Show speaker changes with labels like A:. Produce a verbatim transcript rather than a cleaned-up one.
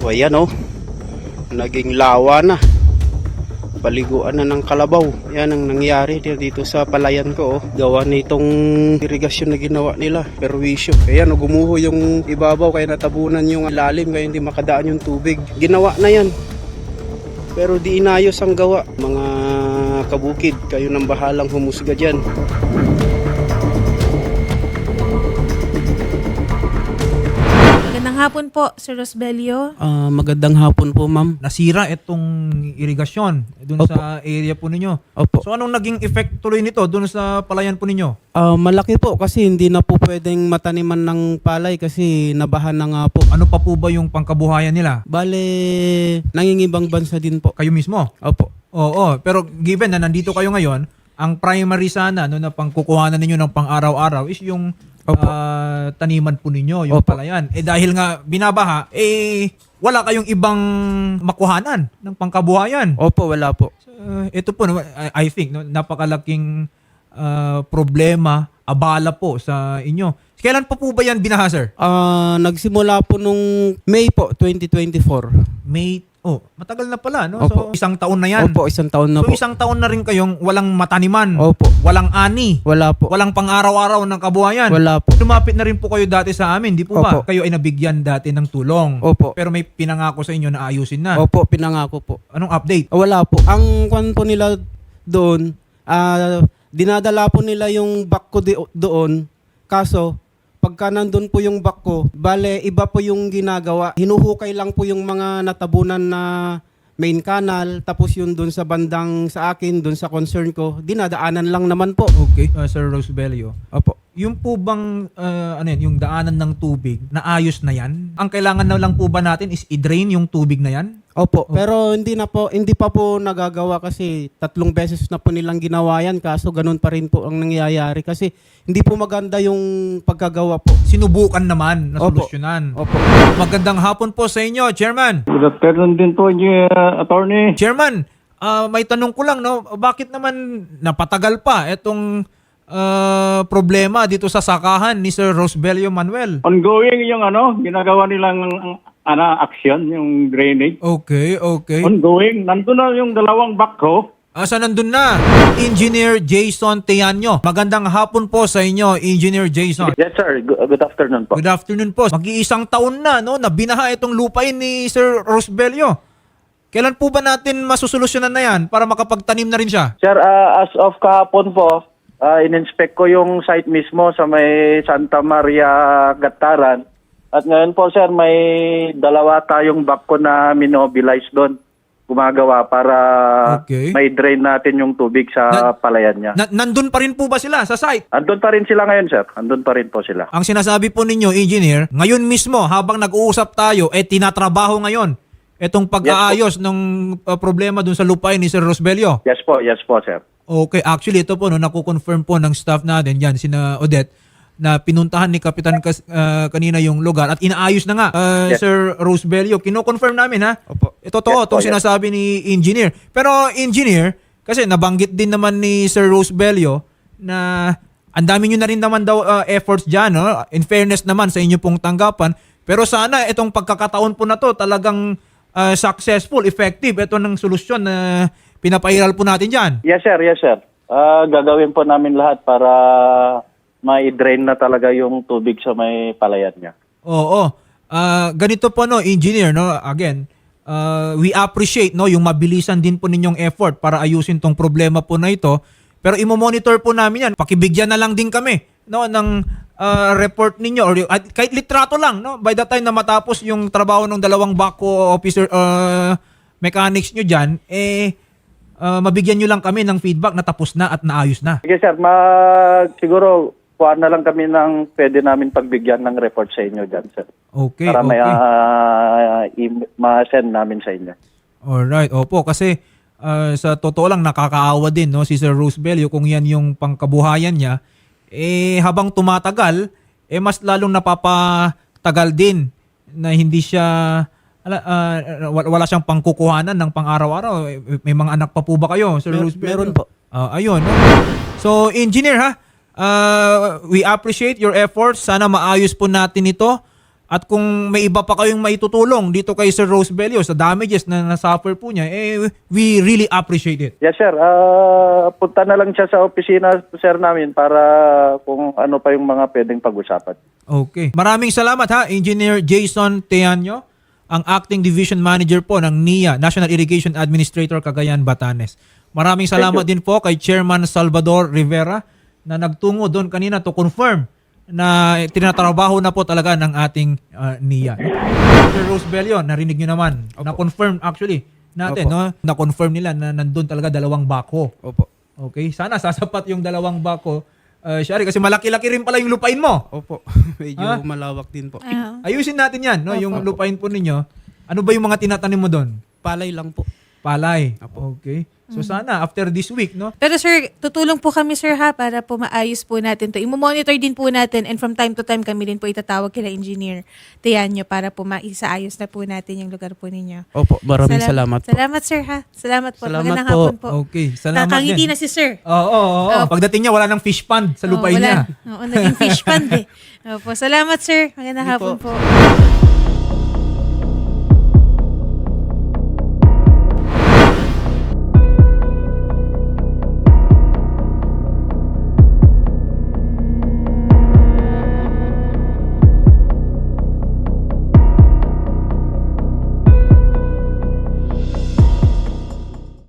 A: So ayan oh, naging lawa na. Paliguan na ng kalabaw. Yan ang nangyari dito sa palayan ko oh. Gawa nitong irigasyon na ginawa nila, perwisyo. Kaya no, gumuho yung ibabaw kaya natabunan yung lalim kaya hindi makadaan yung tubig. Ginawa na yan. Pero di inayos ang gawa. Mga kabukid, kayo nang bahalang humusga dyan.
B: Magandang hapon po, Sir Rosbelio.
A: Ah, magandang hapon po, ma'am.
C: Nasira itong irigasyon doon
A: Opo.
C: sa area po ninyo.
A: Opo.
C: So anong naging effect tuloy nito doon sa palayan po ninyo?
A: Ah, malaki po kasi hindi na po pwedeng mataniman ng palay kasi nabahan na nga po.
C: Ano pa po ba yung pangkabuhayan nila?
A: Bale, nangingibang bansa din po.
C: Kayo mismo?
A: Opo.
C: Oo, pero given na nandito kayo ngayon, ang primary sana no, na pangkukuhanan ninyo ng pang-araw-araw is yung
A: Opo.
C: ah, taniman po ninyo, yung
A: Opo.
C: palayan. Eh dahil nga binabaha, eh wala kayong ibang makuhanan ng pangkabuhayan.
A: Opo, wala po.
C: Uh, ito po, no, I, I think, no, napakalaking uh, problema, abala po sa inyo. Kailan pa po ba yan binaha, sir?
A: Ah, nagsimula po nung May po, twenty twenty-four.
C: May, oh, matagal na pala, no?
A: Opo.
C: So, isang taon na yan.
A: Opo, isang taon na
C: So,
A: po.
C: isang taon na rin kayong walang mataniman,
A: Opo.
C: walang ani,
A: Wala po.
C: walang pang-araw-araw ng kabuhayan.
A: Wala po.
C: Lumapit na rin po kayo dati sa amin, di po ba?
A: Opo.
C: Kayo ay nabigyan dati ng tulong.
A: Opo.
C: Pero may pinangako sa inyo na ayusin na.
A: Opo, pinangako po.
C: Anong update?
A: Ah, Wala po. Ang kwan po nila doon, ah, dinadala po nila yung back ko di- doon. Kaso, pagka nandun po yung back ko, bale, iba po yung ginagawa. Hinuhukay lang po yung mga natabunan na main canal, tapos yun doon sa bandang sa akin, doon sa concern ko, dinadaanan lang naman po.
C: Okay, uh, Sir Rosbelio.
A: Opo.
C: Yung po bang, uh, ano yan, yung daanan ng tubig, naayos na yan? Ang kailangan na lang po ba natin is i-drain yung tubig na yan?
A: Opo, pero hindi na po, hindi pa po nagagawa kasi tatlong beses na po nilang ginawa yan, kaso ganun pa rin po ang nangyayari kasi hindi po maganda yung pagkagawa po.
C: Sinubukan naman na
A: Opo.
C: solusyonan.
A: Opo.
C: Magandang hapon po sa inyo, Chairman.
D: Good afternoon din po, uh, attorney.
C: Chairman, ah, may tanong ko lang, no? Bakit naman napatagal pa itong ah, problema dito sa sakahan ni Sir Rosbelio Manuel?
D: Ongoing yung ano, ginagawa nilang ano, action, yung drainage.
C: Okay, okay.
D: Ongoing. Nandun na yung dalawang backhoe.
C: Asa nandun na? Engineer Jason Teanyo. Magandang hapon po sa inyo, Engineer Jason.
E: Yes, sir. Good, good afternoon po.
C: Good afternoon po. Mag-iisang taon na, no, na binaha itong lupain ni Sir Rosbelio. Kailan po ba natin masusolusyonan na yan para makapagtanim na rin siya?
E: Sir, uh, as of kahapon po, uh, in-inspect ko yung site mismo sa may Santa Maria, Gataran. At ngayon po, sir, may dalawa tayong backhoe na minobilize doon. Gumagawa para
C: Okay.
E: may drain natin yung tubig sa
C: Na-
E: palayan niya.
C: Na- nandun pa rin po ba sila sa site?
E: Andun pa rin sila ngayon, sir. Andun pa rin po sila.
C: Ang sinasabi po ninyo, Engineer, ngayon mismo habang nag-uusap tayo, eh tinatrabaho ngayon itong pag-aayos ng uh, problema dun sa lupain ni Sir Rosbelio.
E: Yes po, yes po, sir.
C: Okay, actually ito po, no, nakukonfirm po ng staff natin, yan, sina Odette, na pinuntahan ni Kapitan kas, uh, kanina yung lugar at inaayos na nga, uh,
E: Yes.
C: Sir Rosbelio. Kino-confirm namin, ha?
A: Opo.
C: Ito totoo,
E: Yes po,
C: itong
E: yes.
C: sinasabi ni Engineer. Pero Engineer, kasi nabanggit din naman ni Sir Rosbelio na ang dami nyo na rin naman daw uh, efforts dyan, no? In fairness naman sa inyo pong tanggapan. Pero sana itong pagkakataon po na to talagang uh, successful, effective. Ito ng solusyon na pinapairal po natin dyan.
E: Yes, sir. Yes, sir. Ah, gagawin po namin lahat para ma-drain na talaga yung tubig sa may palayan niya.
C: Oo. Ah, ganito po, no, Engineer, no? Again, uh, we appreciate, no, yung mabilisan din po ninyong effort para ayusin tong problema po na ito. Pero imo-monitor po namin yan. Pakibigyan na lang din kami, no, ng ah, report ninyo or yung- at kahit litrato lang, no, by the time na matapos yung trabaho ng dalawang backhoe officer uh, mechanics nyo dyan, eh ah, mabigyan nyo lang kami ng feedback na tapos na at naayos na.
E: Sige, sir. Mag, siguro, kuha na lang kami ng pwede namin pagbigyan ng report sa inyo dyan, sir.
C: Okay,
E: Para may
C: okay.
E: ah, i- ma-send namin sa inyo.
C: Alright, opo, kasi uh, sa totoo lang nakakaawa din, no, si Sir Rosbelio kung yan yung pangkabuhayan niya, eh habang tumatagal, eh mas lalong napapatagal din na hindi siya ala, ah, wala, wala siyang pangkukuhanan ng pang-araw-araw. Eh, May mga anak pa po ba kayo, Sir
A: Mer-
C: Rosbelio?
A: meron po.
C: Ah, ayun. No? So, Engineer, ha, uh, we appreciate your efforts. Sana maayos po natin ito. At kung may iba pa kayong maitutulong dito kay Sir Rosbelio sa damages na nasuffer po niya, eh, we really appreciate it.
E: Yes, sir. Ah, punta na lang siya sa opisina, sir, namin para kung ano pa yung mga pwedeng pag-usapan.
C: Okay. Maraming salamat ha, Engineer Jason Teanyo, ang Acting Division Manager po ng N I A, National Irrigation Administrator, Cagayan, Batanes. Maraming salamat din po kay Chairman Salvador Rivera na nagtungo doon kanina to confirm na tinatrabaho na po talaga ng ating uh, N I A. Sir Rosbelio, narinig nyo naman. Na-confirm actually natin,
A: Opo.
C: no? Na-confirm nila na nandun talaga dalawang bako.
A: Opo.
C: Okay? Sana sasapat yung dalawang bako. Uh, Shari, kasi malaki-laki rin pala yung lupain mo.
A: Opo. Medyo
C: Ha?
A: malawak din po.
B: Ah,
C: Ayusin natin yan, no?
B: Opo.
C: Yung lupain po ninyo. Ano ba yung mga tinatanim mo doon?
A: Palay lang po.
C: Palay.
A: Opo.
C: Okay. So sana after this week, no?
B: pero sir, tutulong po kami sir ha para po maayos po natin to. Imo-monitor din po natin and from time to time kami din po itatawag kila Engineer Teanyo para po maisaayos na po natin yung lugar po ninyo.
A: Opo, maraming
B: Salam-
A: salamat po.
B: Salamat sir ha. Salamat po.
A: Salamat
B: Magandang
A: po.
B: hapon po.
C: Okay. Salamat
B: Nakangiti
C: din.
B: na si sir.
C: Oo, oo, oo.
B: Oh.
C: Pagdating niya, wala nang fish pond sa lupain
B: Oo,
C: niya.
B: wala. Oo, naging fish pond eh. Opo, salamat sir. Magandang
A: Hindi
B: hapon
A: po.
B: po.